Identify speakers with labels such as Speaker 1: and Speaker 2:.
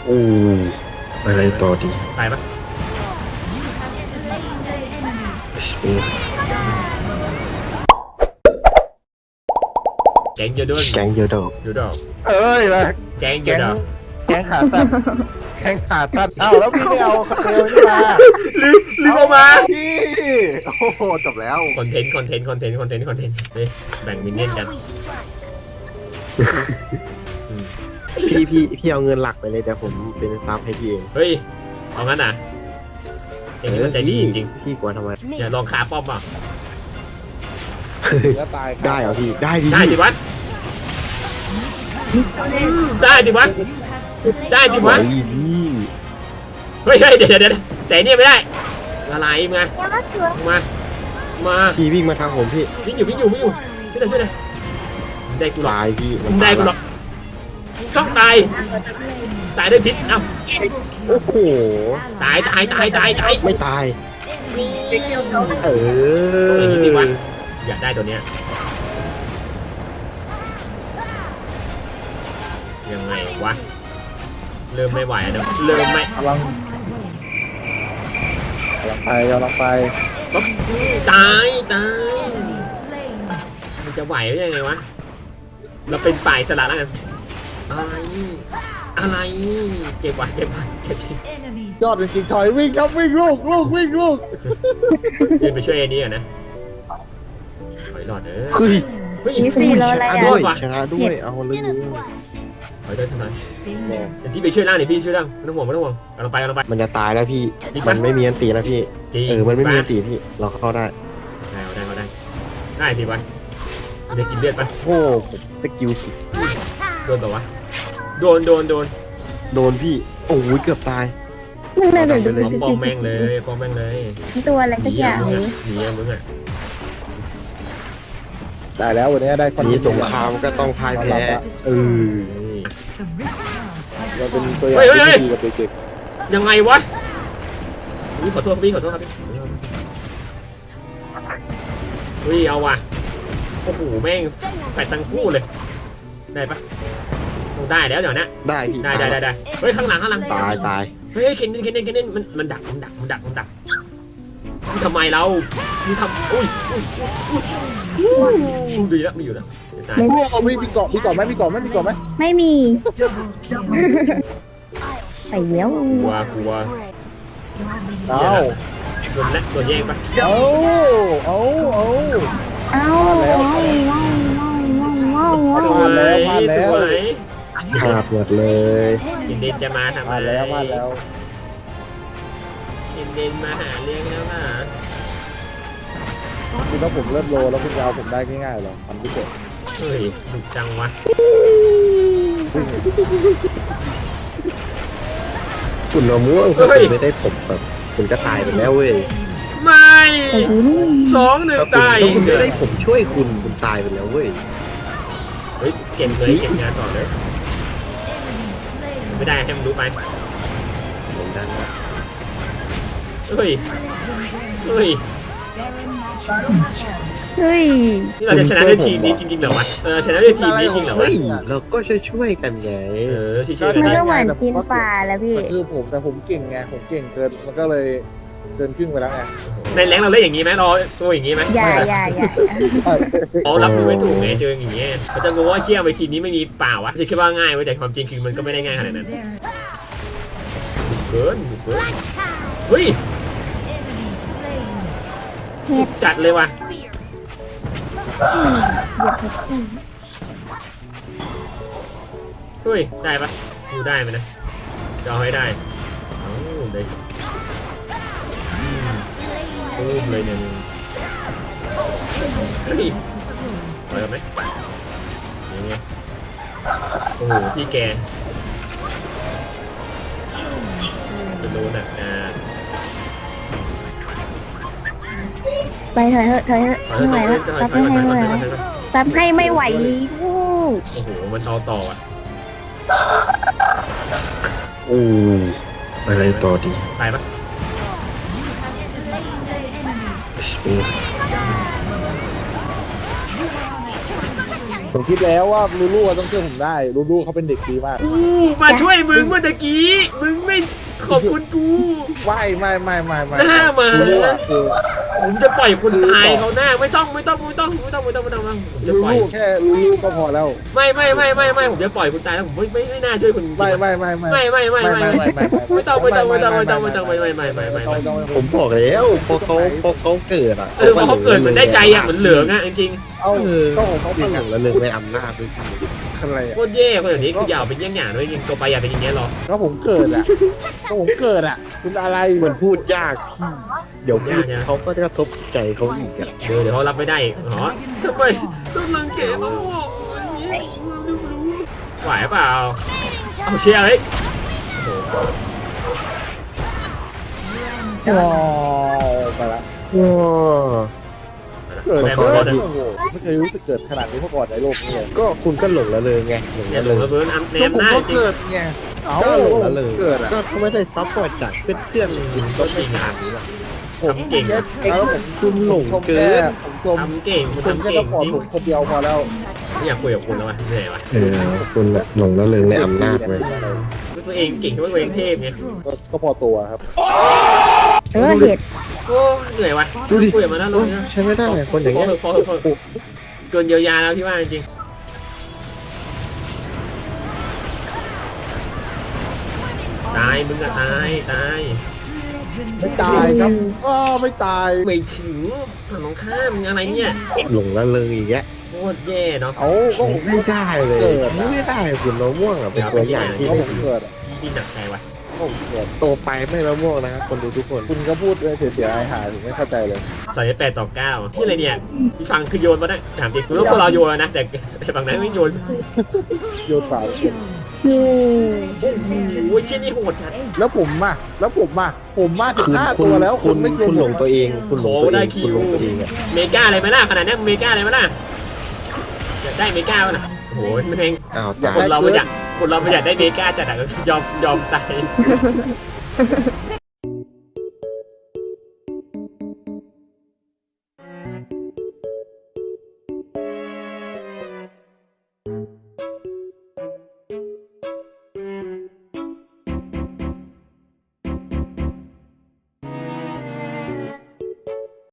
Speaker 1: โอ้อะไรต่อดี
Speaker 2: ตายปะแกงเยอะด้วย
Speaker 1: แกงเยอะดอก
Speaker 2: เยอะดอก
Speaker 3: เอ้ยมา
Speaker 2: แกงเยอะดอก
Speaker 3: แกงขาตัดแกงขาตัดเอ้าแล้วพี่ไม่เอาคาเฟ่นี่มา
Speaker 2: ลืมออกมา
Speaker 3: พี่โอ้โหจบแล้ว
Speaker 2: คอนเทนต์เฮ้ยแบ่งมินเนี่ยนกัน
Speaker 1: พี่เอาเงินหลักไปเลยแต่ผมเป็นซับให้พี่เอง
Speaker 2: เฮ้ยเอางั้นอ่ะเองนี่มันใจดีจริง
Speaker 1: พี่กลัวทำไม
Speaker 2: ๆอย่าลองคาป้อมอ่ะ
Speaker 3: แล้วตาย
Speaker 1: ได้เหรอพี่ได้ดิ
Speaker 2: ได้จิวัดได้จิวัดได้จิวัด
Speaker 1: พี่
Speaker 2: เฮ้ยเดี๋ยวแต่เนี่ยไม่ได้อะไรมา
Speaker 1: พี่วิ่งมาทางผมพี่
Speaker 2: วิ่งอยู่ช่วยหน่อยได้กูหรอ
Speaker 1: ตายพี่
Speaker 2: ได้กูหรอต้องตายด้วยพิษเอ้า
Speaker 1: โอ้โห
Speaker 2: ตาย
Speaker 1: ไม่ตาย
Speaker 2: นี่
Speaker 1: เออ
Speaker 2: อย่างนี้สิวะอยากได้ตัวเนี้ยยังไงวะเริ่มไม่ไหวแล้วเริ่มไม่
Speaker 3: กำลังไป
Speaker 2: ปั๊บตายมันจะไหวได้ยังไงวะเราเป็นฝ่ายสละแล้วกันอะไรเจ็บจริง
Speaker 3: ยอดจริงๆถอยวิ่งครับวิ่งลูก
Speaker 2: ยืนไปช่วยไอ้นี่ก่อนนะถอยหลอด
Speaker 1: เฮ้ย
Speaker 4: มีสี่โลอะไร
Speaker 1: ด้
Speaker 4: อ่ะ
Speaker 1: วยชนะด้วยเอาเลย
Speaker 2: ถอยแต่ที่ไปช่วยล่างนี่พี่ช่วยล่างไม่ต้องห่วงกำลังไป
Speaker 1: มันจะตายแล้วพี่
Speaker 2: จริง
Speaker 1: มั
Speaker 2: ปะ
Speaker 1: นไม่มีอันตีแล้วพี่
Speaker 2: จริง
Speaker 1: มันไม่มีอันตีพี่เราเข้าได้
Speaker 2: ได้สิวะจะกินเลือดปะ
Speaker 1: โอ้ผมสกิลสิ
Speaker 2: โดนต่อวะโดน
Speaker 1: พี่โอ้ยเกือบตาย
Speaker 4: มันเลยแบบ
Speaker 2: ป้อมแม่งเลย
Speaker 4: ตัวอะไรสักอย่างนี้
Speaker 2: หนีมึงอ่ะ
Speaker 3: ได้แล้ววันนี้ได้คอน
Speaker 1: นี้สงครามก็ต้องพ่ายแพ้
Speaker 3: เราเป็นตัวอย่างที่ดีกับเด็ก
Speaker 2: ยังไงวะขอโทษครับพี่เอาว่ะโอ้โหแม่งแปดตังคู่เลยได้ปะได้แล้วเดี๋ยวนะ
Speaker 1: ได้พี่
Speaker 2: ได้เฮ้ยข้างหลัง
Speaker 1: ตาย
Speaker 2: เฮ้ยเคนเน่นมันดักมึงทำไมเรามึงทำอุ้ยดีแล้วไม่อยู่แล้ว
Speaker 3: ๆมีเกาะไหม
Speaker 4: ไม่มีไปแล้ว
Speaker 2: กลัว
Speaker 3: เอา
Speaker 2: โดนแย่งปะ
Speaker 4: เอา
Speaker 2: สวย
Speaker 1: พลาดหมดเลย
Speaker 2: เด่นจะมาทำ
Speaker 3: พลาดแล้ว
Speaker 2: เด่นมาหาเรื่องแล้วค่ะ
Speaker 3: คือถ้าผมเริ่มโลแล้วคุณจะเอาผมได้ง่ายๆหรอมันพิเศษ
Speaker 2: เฮ้ยดุจังวะ
Speaker 1: คุณละม่วงคุณไม่ได้ผมแบบคุณก็ตายไปแล้วเว้ย
Speaker 2: ไม่2-1ตาย
Speaker 1: คุณไม่ได้ผมช่วยคุณตายไปแล้วเว้ย
Speaker 2: เฮ้ยเก็บงานต่อเลยไม่ได้ให้มันรู้ไป
Speaker 1: เหมือนกันนะ
Speaker 2: เฮ้ย นี่เราจะชนะด้วยทีมนี้จริงๆเหรอวะชนะด้วยทีมนี้จริงเหรอวะ
Speaker 1: เฮ้ยเราก็ช่วยกันไง
Speaker 2: ช่วยๆกั
Speaker 4: มัน
Speaker 2: น
Speaker 4: ก็เหมือนกินปลาแล้วพี่
Speaker 3: คือผมเก่งไงผมเก่งเกินมันก็เลยเกินครึ่งไปแล้วไง
Speaker 2: ในแรงเราเล่นอย่างนี้ไหมรอตัวอย่างนี้ไหม
Speaker 4: อย่า
Speaker 2: เขารับมือไม่ถูกไงเจออย่างเงี้ยเขาจะรู้ว่าเชี่ยไปทีมนี้ไม่มีเปล่าวะจะคิดว่าง่ายไว้แต่ความจริงคือมันก็ไม่ได้ง่ายขนาดนั้นเกินเฮ้ยจัดเลยว่ะเฮ้ยได้ปะดูได้ไหมนะจะเอาให้ได้เลยตูมเลยเนี่ยเฮ้ยปล่อยไหมยังไงโอ้โหพี่แกจะโดนอ่ะ
Speaker 4: ไปเถอะไม่ไหวแล้วซับให้ไม่ไหวซับให้ไม่ไหวลูก
Speaker 2: โอ้โหมันเอาต่ออ่ะ
Speaker 1: โอ้อะไรต่อดี
Speaker 2: ตายปะ
Speaker 3: ผมคิดแล้วว่าลูลูต้องช่วยผมได้ลูลูเขาเป็นเด็กดีมาก
Speaker 2: กูมาช่วยมึงเมื่อตะกี้มึงไม่ขอบคุณกู
Speaker 3: ไม่
Speaker 2: หน้ามา
Speaker 3: ลูลูอะคือ
Speaker 2: ผมจะปล่อยคนตายเขาหน้าไม่ต้องผมจะ
Speaker 3: ลู
Speaker 2: ปล่อย
Speaker 3: ลูแค่ลูลูก็พอแล้ว
Speaker 2: ไม่ผมจะปล่อยคุณตายแล้วผมไม่น่าช่วยคุณจริง
Speaker 3: ไม่
Speaker 2: ไม่ต้อง
Speaker 1: ผมบอกแล้วพอเขาเกิดอ่ะ
Speaker 2: พอเขาเกิดเหมือนได้ใจอ่ะเหมือนเหลืองอ่ะจริง
Speaker 3: เอาก็ผมเขา
Speaker 1: เขา
Speaker 3: เป
Speaker 1: ห
Speaker 3: ลี่
Speaker 1: ล
Speaker 3: ยน
Speaker 1: งละเลยในอำนาจด้วย
Speaker 3: อะไร
Speaker 2: ๆโคตรแย่คนแบบนี้คืออย่าเป็นอย่างอย่างด้วยจริงตัวไปอย่าเป็นอย่างเงี้ยหรอ
Speaker 3: ก็ผมเกิดอ่ะคุณอะไร
Speaker 1: มันพูดยากพี่เดี๋ยวพูดเขาก็จะกระทบใจเขาอีกอ่ะ
Speaker 2: เดี๋ยวเขารับไม่ได้หรอทำไมต้องรังเกียจเขาไหวเปล่าเอาเชียร์เลย
Speaker 3: ว้าวไปละ
Speaker 1: ว้า
Speaker 3: เกิด
Speaker 2: แม่
Speaker 3: เกิ
Speaker 2: บอก
Speaker 3: ด
Speaker 2: เลย
Speaker 3: โอ้โหไม่เคยรู้สึกเกิดขนาดนี้มาก่อนในโลกนี้เลย
Speaker 1: ก็คุณก็หลงละเลยไงหลง
Speaker 2: อย่า
Speaker 1: ละ
Speaker 2: หล
Speaker 1: เล
Speaker 2: ง
Speaker 1: ย
Speaker 2: ระเบิดอันแน
Speaker 3: ก็
Speaker 2: ม
Speaker 3: ผม
Speaker 2: หน้า
Speaker 3: ก็
Speaker 2: จริง
Speaker 3: เกิดไงเอ้า
Speaker 1: ก็หลงละเลย
Speaker 3: เกิดอ่ะ
Speaker 1: ก็เขาไม่ได้ซัพพอร์ตจากเพื่อนๆคุณก็ไม่ขนาดนี้หรอก
Speaker 3: ผมเก่งแล้วผม
Speaker 1: คุณหลงเกิน
Speaker 3: ผมชม
Speaker 2: ทำเก่ง
Speaker 3: ผม
Speaker 2: ทำ
Speaker 3: แค่
Speaker 2: เก่
Speaker 3: ต้
Speaker 2: ง
Speaker 3: องขอ
Speaker 2: จริง
Speaker 3: ผมคนเดียวพอแล้ว
Speaker 2: ไม่อยากคุยกับคุณแล้ววะเหนื่อยวะ
Speaker 1: คุณหลงละเลยในอำนาจเลย
Speaker 2: ตัวเองเก่งตัวเองเทพไง
Speaker 3: ก็พอตัวครับ
Speaker 4: เหตุ
Speaker 2: โอ้เหนื่อยวะคุยกับมันแล้วเลย
Speaker 1: ใช้ไม่ได้คนอย่างเงี้ย
Speaker 2: พอเกินเยียวยาแล้วพี่ว่าจริงตายมึงอะตาย
Speaker 3: ไม่ตายครับไม่ตาย
Speaker 2: ไม่ถึงฝั่งตรงข้ามอะไรเนี่ย
Speaker 1: หลงละเลยอีกแล้ว
Speaker 2: โคตรแย่เนาะ
Speaker 3: เอาก็ผม
Speaker 1: ไม่ได้เลยไม่ได้คุณมะม่วงอ่ะเป็นตัวอย่างที่
Speaker 3: ก็ผมเกิด
Speaker 2: พี่หนักใจวะ
Speaker 3: ผมเกิด
Speaker 1: โตไปไม่มะม่วงนะครับคนดูทุกคน
Speaker 3: คุณก็พูดเสียหายผมไม่เข้าใจเลย
Speaker 2: ใส่8-9ที่อะไรเนี่ยพี่ฟังคือโยนมาได้ถามจริงคือพวกเราโยนนะแต่ฝั่งนั้นไม่โยน
Speaker 3: โยนเปล่า
Speaker 2: โอ้ยเชี่ยนี่โหดจัด
Speaker 3: แล้วผมมาถึง5ตัวแล้ว
Speaker 1: คุณ
Speaker 3: ไม่ชวน
Speaker 1: หลงตัวเองคุณหลงตัวเองคุณหลงตัวเองอ่ะ
Speaker 2: เมกาอะไรไหมล่ะขนาดนี้เมกาอะไรไหมล่ะอยากได้เมกาป่ะโอ้ยมันเอง
Speaker 1: อ้าว
Speaker 2: คนเราไม่อยากได้เมกาจัดอะก็ยอมตาย